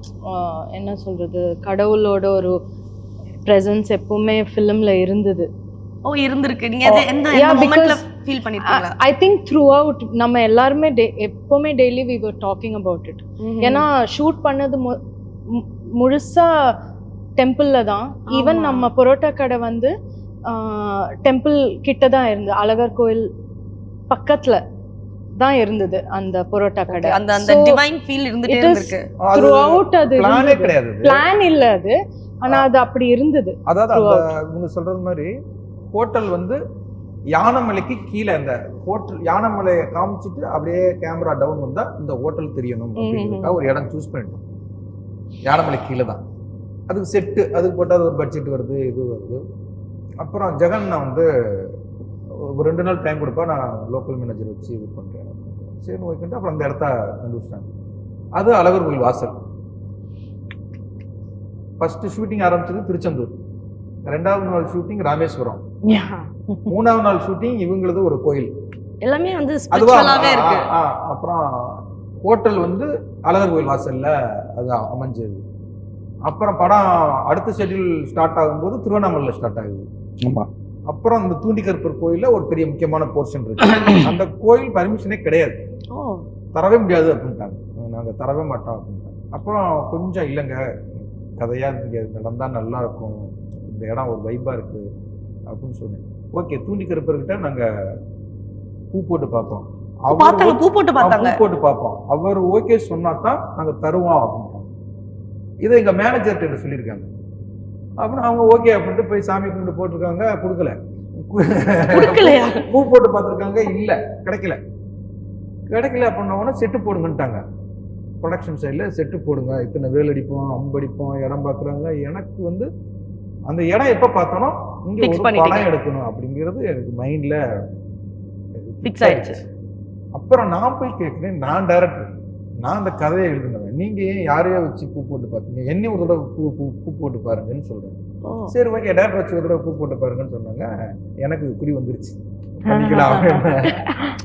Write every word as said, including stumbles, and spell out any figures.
என்ன சொல்கிறது, கடவுளோட ஒரு ப்ரெசன்ஸ் எப்பவுமே ஃபிலிமில் இருந்தது. ஓ இருந்திருக்கு. நீங்க எந்த எந்த மொமெண்ட்ல ஃபீல் பண்ணிருக்கீங்களா? ஐ திங்க் த்ரூ அவுட் நம்ம எல்லாருமே எப்பவுமே daily we were talking about it. ஏன்னா ஷூட் பண்ணது முழுசா டெம்பிள்ல தான். ஈவன் நம்ம பரோட்டா கடை வந்து டெம்பிள் கிட்ட தான் இருந்து, அழகர் கோயில் பக்கத்துல தான் இருந்தது அந்த பரோட்டா கடை. அந்த அந்த டிவைன் ஃபீல் இருந்துட்டே இருக்கு த்ரூ அவுட். அது பிளானே கிடையாது, பிளான் இல்ல அது, ஆனா அது அப்படி இருந்தது. அதாவது அந்த இவங்க சொல்றது மாதிரி ஹோட்டல் வந்து யானைமலைக்கு கீழே, அந்த ஹோட்டல் யானைமலையை காமிச்சிட்டு அப்படியே கேமரா டவுன் வந்தா இந்த ஹோட்டல் தெரியணும் அப்படிங்கிறதுக்காக ஒரு இடம் சூஸ் பண்ணிட்டோம். யானைமலை கீழே தான் அதுக்கு செட்டு, அதுக்கு போட்டால் அது ஒரு பட்ஜெட் வருது, இது வருது. அப்புறம் ஜெகன் நான் வந்து ஒரு ரெண்டு நாள் டைம் கொடுப்பா, நான் லோக்கல் மேனேஜர் வச்சு இது பண்ணுறேன். சரி ஓகேன்ட்டு அப்புறம் அந்த இடத்த கண்டுபிடிச்சிட்டாங்க. அது அழகர் கோயில் வாசல். ஃபர்ஸ்ட் ஷூட்டிங் ஆரம்பிச்சது திருச்செந்தூர், ரெண்டாவது நாள் ஷூட்டிங் ராமேஸ்வரம், மூணாவது நாள் ஷூட்டிங் இவங்களது ஒரு கோயில். எல்லாமே வந்து ஸ்பிரிச்சுவலாவே இருக்கு. அப்புறம் ஹோட்டல் வந்து அழகர் கோயில் வாசல்ல அது அமைஞ்சது. அப்புறம் படம் அடுத்த ஷெட்யூல் ஸ்டார்ட் ஆகும்போது திருவண்ணாமலையில் ஸ்டார்ட் ஆகுது. அப்புறம் அந்த தூண்டிக்கருப்பர் கோயில்ல ஒரு பெரிய முக்கியமான போர்ஷன் இருக்கு. அந்த கோயில் பர்மிஷனே கிடையாது, தரவே முடியாது அப்படின்ட்டாங்க. நாங்க தரவே மாட்டோம் அப்படின்ட்டாங்க. அப்புறம் கொஞ்சம் இல்லைங்க, கதையா தெரியாது, நடந்தா நல்லா இருக்கும், இந்த இடம் ஒரு வைப்பா இருக்கு அப்படின்னு சொன்னேன். ஓகே, தூண்டிக்கருப்பர்கிட்ட நாங்க பூ போட்டு பார்ப்போம், பூ போட்டு பார்த்தாங்க, பூ போட்டு பார்ப்போம். அவர் ஓகே சொன்னா தான் நாங்க தருவோம் அப்படின்ட்டாங்க. இதை எங்க மேனேஜர்கிட்ட சொல்லியிருக்காங்க. அப்படின்னு அவங்க ஓகே அப்படின்ட்டு போய் சாமி கும்பிட்டு போட்டிருக்காங்க, கொடுக்கல. பூ போட்டு பார்த்துருக்காங்க, இல்லை கிடைக்கல. கிடைக்கல அப்படின்னா செட்டு போடுங்கன்ட்டாங்க. ப்ரொடக்ஷன் சைடில் செட்டு போடுங்க, இத்தனை வேல் அடிப்போம், அம்படிப்போம், இடம் பார்க்குறாங்க. எனக்கு வந்து அந்த இடம் எப்போ பார்த்தோன்னா இங்கே ஒரு படம் எடுக்கணும் அப்படிங்கிறது எனக்கு மைண்டில் ஃபிக்ஸ் ஆயிடுச்சு. அப்புறம் நான் போய் கேட்குறேன், நான் டைரக்டர், நான் அந்த கதையை எழுதுனவன், நீங்கள் ஏன் யாரையோ வச்சு பூ போட்டு பார்த்தீங்க, என்னையும் ஒரு தடவை பூ பூ பூ போட்டு பாருங்கன்னு சொல்கிறேன். சரி ஓகே, டேரக்டர் வச்சு ஒரு தடவை பூ போட்டு பாருங்கன்னு சொன்னாங்க. எனக்கு குறி வந்துருச்சு, பண்ணிக்கலாம்.